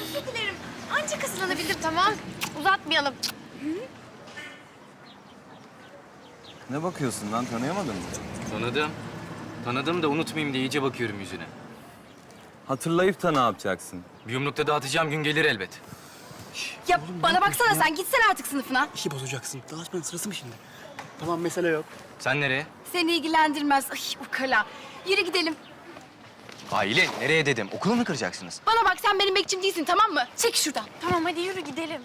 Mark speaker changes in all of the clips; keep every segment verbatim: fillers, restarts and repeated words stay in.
Speaker 1: özür dilerim. Ancak hızlanabilir. Tamam. Uzatmayalım.
Speaker 2: Ne bakıyorsun lan, tanıyamadın mı?
Speaker 3: Tanıdım. Tanıdım da unutmayayım diye iyice bakıyorum yüzüne.
Speaker 2: Hatırlayıp da ne yapacaksın?
Speaker 3: Bir yumrukta dağıtacağım gün gelir elbet.
Speaker 1: Ya bana baksana sen gitsene artık sınıfına.
Speaker 4: İşi bozacaksın. Dalaşmanın sırası mı şimdi? Tamam, mesele yok.
Speaker 3: Sen nereye?
Speaker 1: Seni ilgilendirmez. Ay ukala. Yürü gidelim.
Speaker 3: Aile, nereye dedim? Okulu mu kıracaksınız?
Speaker 1: Bana bak sen benim bekçim değilsin tamam mı? Çek şuradan. Tamam hadi yürü gidelim.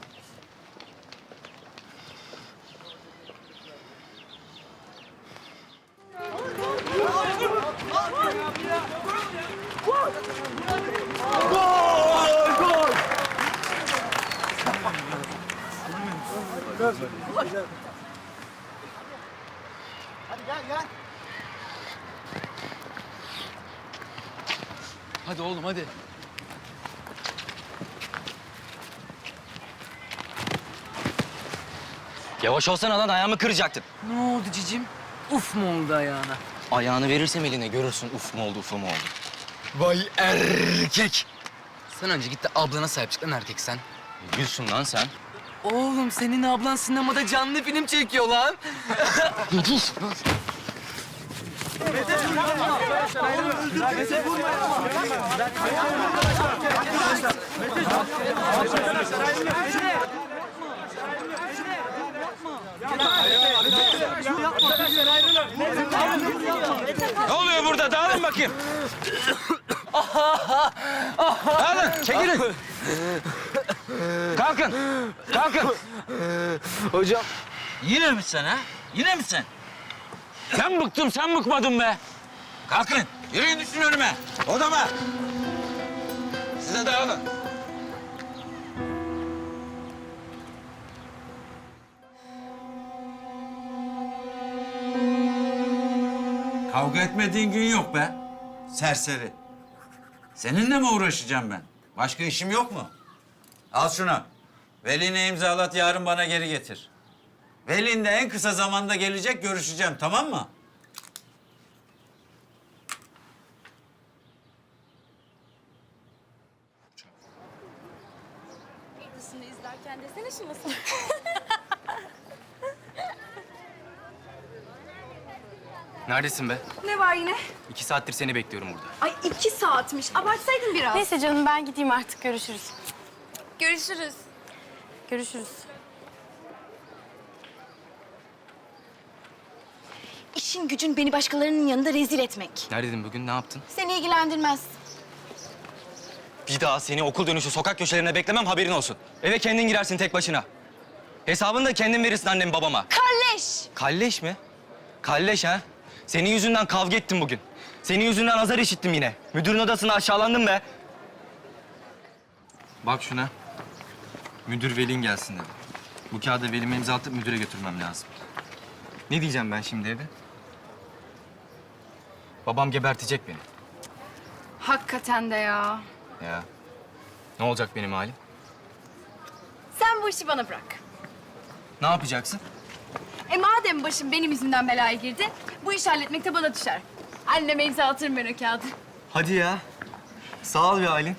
Speaker 4: Hadi oğlum, hadi.
Speaker 3: Yavaş olsana lan, ayağımı kıracaktın.
Speaker 4: Ne oldu cicim? Uf mu oldu ayağına?
Speaker 3: Ayağını verirsem eline görürsün uf mu oldu, ufu mu oldu. Vay erkek!
Speaker 4: Sen önce git de ablana sahip çık lan erkek sen.
Speaker 3: Ne diyorsun lan sen?
Speaker 4: Oğlum senin ablan sinemada canlı film çekiyor lan.
Speaker 3: Ne diyorsun lan? Ne oluyor burada? Dağılın bakayım. Dağılın, çekilin. Kalkın, kalkın.
Speaker 4: Hocam.
Speaker 5: Yine mi sen ha? Yine mi sen?
Speaker 3: Sen bıktım, sen bıkmadın be.
Speaker 5: Kalkın, yürüyün düşün önüme. Odama. Size dağılın. Kavga etmediğin gün yok be. Serseri. Seninle mi uğraşacağım ben? Başka işim yok mu? Al şunu. Veline imzalat, yarın bana geri getir. Velin de en kısa zamanda gelecek, görüşeceğim, tamam mı?
Speaker 1: Dışını izlerken desene şu nasıl?
Speaker 3: Neredesin be?
Speaker 1: Ne var yine?
Speaker 3: İki saattir seni bekliyorum burada.
Speaker 1: Ay iki saatmiş. Abartsaydın biraz.
Speaker 6: Neyse canım ben gideyim artık görüşürüz.
Speaker 1: Görüşürüz.
Speaker 6: Görüşürüz.
Speaker 1: İşin gücün beni başkalarının yanında rezil etmek.
Speaker 3: Neredeydin bugün, ne yaptın?
Speaker 1: Seni ilgilendirmez.
Speaker 3: Bir daha seni okul dönüşü sokak köşelerine beklemem, haberin olsun. Eve kendin girersin tek başına. Hesabını da kendin verirsin annem babama.
Speaker 1: Kalleş!
Speaker 3: Kalleş mi? Kalleş ha? Senin yüzünden kavga ettim bugün. Senin yüzünden azar işittim yine. Müdürün odasında aşağılandım be. Bak şuna. Müdür velin gelsin dedi. Bu kağıda velime imza atıp müdüre götürmem lazım. Ne diyeceğim ben şimdi eve? Babam gebertecek beni.
Speaker 1: Hakikaten de ya.
Speaker 3: Ya. Ne olacak benim halim?
Speaker 1: Sen bu işi bana bırak.
Speaker 3: Ne yapacaksın?
Speaker 1: E madem başım benim yüzümden belaya girdi, bu işi halletmek de bana düşer. Anneme imza atırım ben o kağıdı.
Speaker 3: Hadi ya. Sağ ol be Aylin.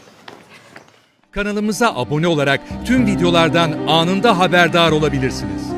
Speaker 7: Kanalımıza abone olarak tüm videolardan anında haberdar olabilirsiniz.